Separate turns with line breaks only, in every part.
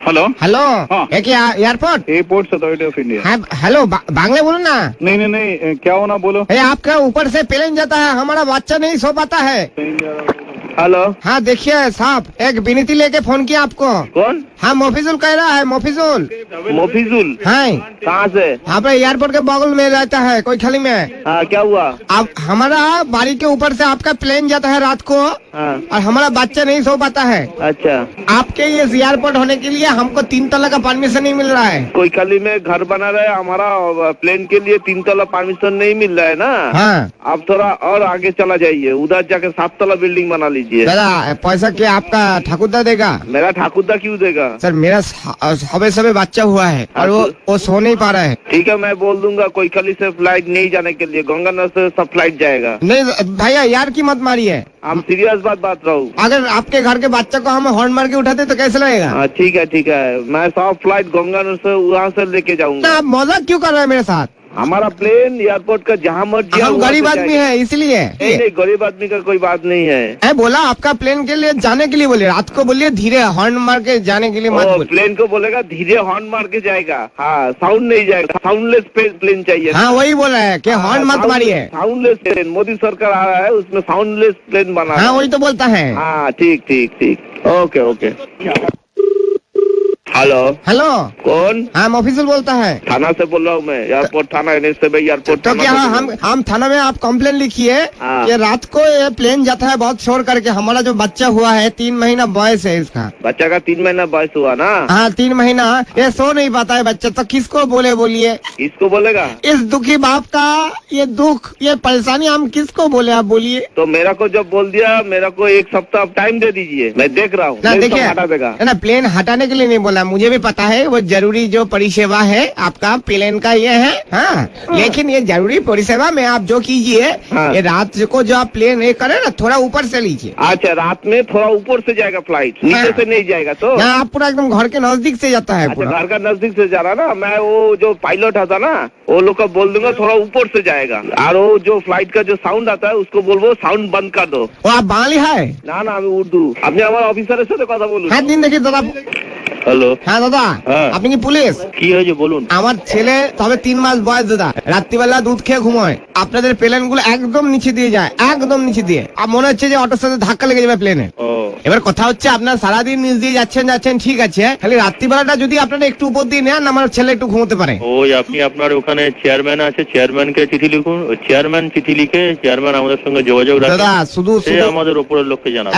Hello
hello
हाँ।
है क्या airport?
Airport authority of India.
हाँ हेलो, बांग्ला बोलो ना।
नहीं नहीं नहीं, क्या होना बोलो।
आपका ऊपर से प्लेन जाता है, हमारा बच्चा नहीं सो पाता है।
हेलो
हाँ देखिए साहब, एक विनती लेके फोन किया आपको।
कौन?
हाँ मोफिजुल कह रहा है, मोफिजुल।
मोफिजुल?
हाँ
कहाँ से?
आप एयरपोर्ट के बगल में रहता है, कोई खाली में।
हाँ क्या हुआ?
अब हमारा बाड़ी के ऊपर से आपका प्लेन जाता है रात को,
हाँ
और हमारा बच्चा नहीं सो पाता है।
अच्छा,
आपके ये एयरपोर्ट होने के लिए हमको 3 तला का परमिशन नहीं मिल रहा है।
कोई खाली में घर बना रहे, हमारा प्लेन के लिए 3 तला परमिशन नहीं मिल रहा है ना।
हाँ
आप थोड़ा और आगे चला जाइए, उधर जाके 7 तला बिल्डिंग बना लीजिए।
दादा पैसा क्या आपका ठाकुरदा देगा?
मेरा ठाकुरदा क्यों देगा?
सर मेरा सबे बच्चा हुआ है और वो सो नहीं पा रहा है।
ठीक है, मैं बोल दूंगा कोई खाली से फ्लाइट नहीं जाने के लिए, गंगानगर से सब फ्लाइट जाएगा।
नहीं भैया यार की मत मारिए,
हम सीरियस बात रहा हूँ।
अगर आपके घर के बच्चे को हम हॉर्न मार के उठाते तो कैसे लगेगा?
हाँ ठीक है, मैं सब फ्लाइट गंगानगर से वहाँ से लेके जाऊंगा।
आप मजाक क्यों कर रहे हैं मेरे साथ?
हमारा प्लेन एयरपोर्ट का जहाँ मर्जी
हम गरीब आदमी है इसलिए।
नहीं, गरीब आदमी का कोई बात नहीं है।
बोला आपका प्लेन के लिए जाने के लिए बोलिए, रात को बोलिए धीरे हॉर्न मार के जाने के लिए मत बोलिए।
प्लेन को बोलेगा धीरे हॉर्न मार के जाएगा। हाँ साउंड नहीं जाएगा, साउंडलेस प्लेन चाहिए।
हाँ वही बोला है कि हॉर्न मत मारिए।
साउंडलेस प्लेन मोदी सरकार आ रहा है, उसमें साउंडलेस प्लेन बना।
हाँ वही तो बोलता है।
हाँ ठीक, ओके। हेलो
हेलो
कौन?
हाँ ऑफिसर बोलता है।
थाना से बोल रहा हूँ मैं, एयरपोर्ट थाना एयरपोर्ट।
तो क्या हम थाना में आप कंप्लेन लिखिए कि रात को ये प्लेन जाता है बहुत शोर करके, हमारा जो बच्चा हुआ है 3 महीना बॉयस है इसका।
बच्चा का 3 महीना बॉयस हुआ ना?
हाँ 3 महीना, ये सो नहीं पाता है बच्चा, तो किसको बोलिए?
किसको बोलेगा?
इस दुखी बाप का ये दुख, ये परेशानी हम किसको बोले, आप बोलिए।
तो मेरा को जब बोल दिया, मेरा को 1 सप्ताह टाइम दे दीजिए, मैं देख रहा हूँ।
देखिए
हटा देगा
ना, प्लेन हटाने के लिए नहीं बोला, मुझे भी पता है वो जरूरी जो परिसेवा है आपका प्लेन का ये है। हाँ लेकिन ये जरूरी परिसेवा में आप जो कीजिए,
हाँ।
ये रात को जो आप प्लेन ये करे ना, थोड़ा ऊपर से लीजिए।
अच्छा, रात में थोड़ा ऊपर से जाएगा फ्लाइट, नीचे से नहीं जाएगा। तो
आप पूरा एकदम घर के नजदीक से जाता है।
अच्छा, घर का नजदीक से जा रहा ना। मैं वो जो पायलट आता ना, वो लोग को बोल दूंगा थोड़ा ऊपर से जाएगा, और वो जो फ्लाइट का जो साउंड आता है उसको बोलबो साउंड बंद कर दो।
वो आप बांग्ली है
ना আমি উর্দু। আপনি আমার অফিসারের সাথে কথা বলুন।
হ্যাঁ দিন দেখি দাদা।
হ্যালো
হ্যাঁ দাদা, আপনি কি পুলিশ?
কি হয়েছে বলুন।
আমার ছেলে তবে 3 মাস বয়স দাদা, রাত্রিবেলা দুধ খেয়ে ঘুমোয়, আপনাদের প্লেন গুলো একদম নিচে দিয়ে যায়, একদম নিচে দিয়ে, আর মনে হচ্ছে যে অটোর সাথে ধাক্কা লেগে যাবে প্লেনে। এবার কথা হচ্ছে আপনার সারাদিন নিচ দিয়ে যাচ্ছেন ঠিক আছে, খালি রাত্রিবেলাটা যদি আপনারা একটু উপর দিয়ে নেন, আমার ছেলে একটু ঘুমোতে পারে।
ওই আপনি আপনার ওখানে চেয়ারম্যান আছে, চেয়ারম্যানকে চিঠি লিখুন, ওই চেয়ারম্যান চিঠি লিখে চেয়ারম্যান আমাদের সঙ্গে যোগাযোগ রাখে।
দাদা শুধু
আমাদের উপরের লোককে জানাবে।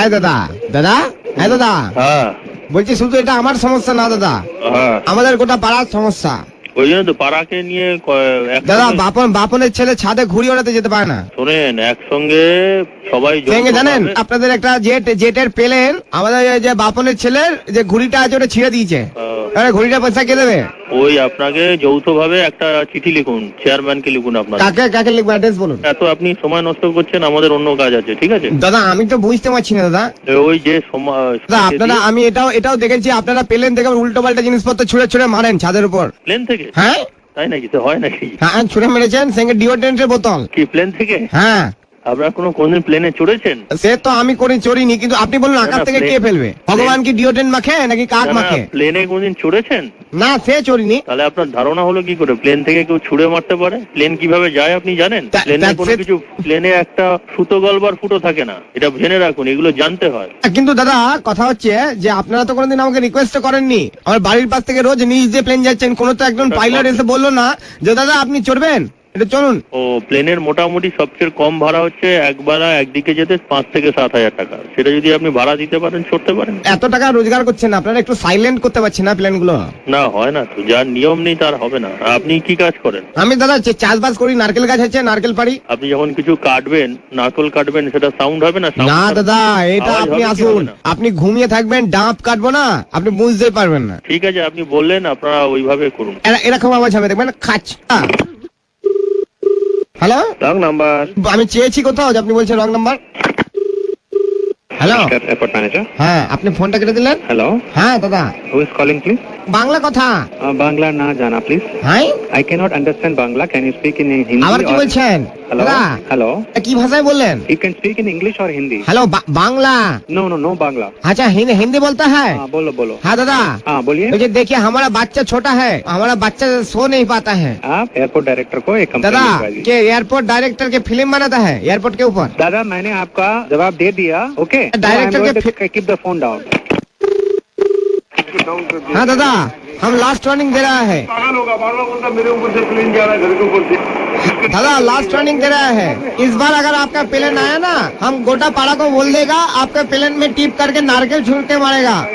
দাদা
হ্যাঁ
বলছি, শুধু এটা আমার সমস্যা না দাদা, আমাদের গোটা পাড়ার সমস্যা।
ওই জন্য তো পাড়াকে নিয়ে
দাদা বাপনের ছেলে ছাদে ঘুড়ি ওড়াতে যেতে পারে না।
শোনেন, একসঙ্গে সবাই
জানেন আপনাদের একটা জেটের প্লেন, আমাদের যে বাপনের ছেলের যে ঘুড়িটা আছে ওটা ছিঁড়ে দিয়েছে, ঘুড়িটা পয়সা কে দেবে?
ওই আপনাকে যৌথভাবে একটা চিঠি লিখুন, চেয়ারম্যানকে লিখুন। আপনার
কাকে লিখবো, অ্যাড্রেস বলুন।
এত আপনি সময় নষ্ট করছেন, আমাদের অন্য কাজ আছে। ঠিক আছে
দাদা, আমি তো বুঝতে পারছি না দাদা।
ওই যে
আপনারা, আমি এটাও দেখেছি, আপনারা প্লেন থেকে উল্টো পাল্টা জিনিসপত্র ছুঁড়ে মারেন ছাদের উপর।
প্লেন থেকে?
হ্যাঁ
তাই নাকি? তো হয় নাকি?
হ্যাঁ ছুঁড়ে মেরেছেন, সঙ্গে ডিওড্রেন্টের বোতল।
কি প্লেন থেকে?
হ্যাঁ।
আপনারা কোনদিন প্লেনে চড়েছেন?
সে তো আমি চড়িনি, কিন্তু আপনি বলুন আকাশ থেকে কে ফেলবে? ভগবান কি ডিওড্রেন্ট মাখে নাকি কাক মাখে?
প্লেনে কোনদিন চড়েছেন?
না সে চড়িনি।
তাহলে আপনার ধারণা হলো কি করে প্লেন থেকে কেউ ছুড়ে মারতে পারে? প্লেন কিভাবে যায় আপনি জানেন? প্লেনে কোনো কিছু, প্লেনে একটা সুতো গলবার ফুটো থাকে না, এটা জেনে রাখুন, এগুলো জানতে হয়।
কিন্তু দাদা কথা হচ্ছে যে আপনারা তো কোনোদিন আমাকে রিকোয়েস্ট করেননি, আমার বাড়ির পাশ থেকে রোজ নিজ দিয়ে প্লেন যাচ্ছেন, কোনো তো একজন পাইলট এসে বললো না যে দাদা আপনি চড়বেন, এটা চলুন।
ও প্লেনের মোটামুটি সবচেয়ে কম ভাড়া হচ্ছে একবেলা একদিকে যেতে 5 থেকে 7 হাজার টাকা। সেটা যদি আপনি ভাড়া দিতে পারেন, চড়তে পারেন।
এত টাকা রোজগার করছেন, আপনারা একটু সাইলেন্ট করতে পারছেন না প্লেন গুলো?
না হয় না তো, যার নিয়ম নেই তার হবে না। আপনি কি কাজ করেন?
আমি দাদা চাষবাস করি, নারকেল গাছ আছে, নারকেল পাড়ি।
আপনি যখন কিছু কাটবেন, নারকেল কাটবেন, সেটা সাউন্ড হবে না?
না দাদা, এটা আপনি আসুন, আপনি ঘুমিয়ে থাকবেন, ডাব কাটবো না, আপনি বুঝতে পারবেন না।
ঠিক আছে, আপনি বললেন, আপনারা ওইভাবে করুন।
এরকম আওয়াজ হবে, দেখবেন খাচ। Hello,
wrong number.
আমি চেয়েছি কোথাও, আপনি বলছেন wrong number. Hello
airport manager.
হ্যাঁ, আপনি ফোনটা কেটে দিলেন।
হ্যালো
হ্যাঁ দাদা।
Who is calling please?
Bangla কথা।
বাংলা না জানা প্লিজ।
হ্যাঁ,
I cannot understand Bangla. Can you speak in Hindi?
আবার কি বলছেন?
Hello.
দাদা
Hello.
কি ভাষায় বললেন?
You can speak in English or Hindi.
Hello Bangla?
No Bangla.
अच्छा हिंदी बोलता है?
हाँ बोलो.
हाँ दादा,
हाँ बोलिए.
मुझे देखिए हमारा बच्चा छोटा है, हमारा बच्चा सो नहीं पाता है।
आप एयरपोर्ट डायरेक्टर को एक कंप्लेंट
दादा
लिखवा दीजिए.
के एयरपोर्ट डायरेक्टर के फिल्म बनाता है एयरपोर्ट के ऊपर।
दादा मैंने आपका जवाब दे दिया. ओके.
डायरेक्टर के
कीप द फोन डाउन.
हाँ दादा, हम लास्ट वार्निंग दे रहा है।
पागल होगा, बार-बार बोलता मेरे ऊपर से प्लेन जा रहा है घर के ऊपर से।
दादा लास्ट वार्निंग दे रहा है, इस बार अगर आपका प्लेन आया ना, हम गोटा पाड़ा को बोल देगा आपके प्लेन में टिप करके नारकेल छूट के मारेगा।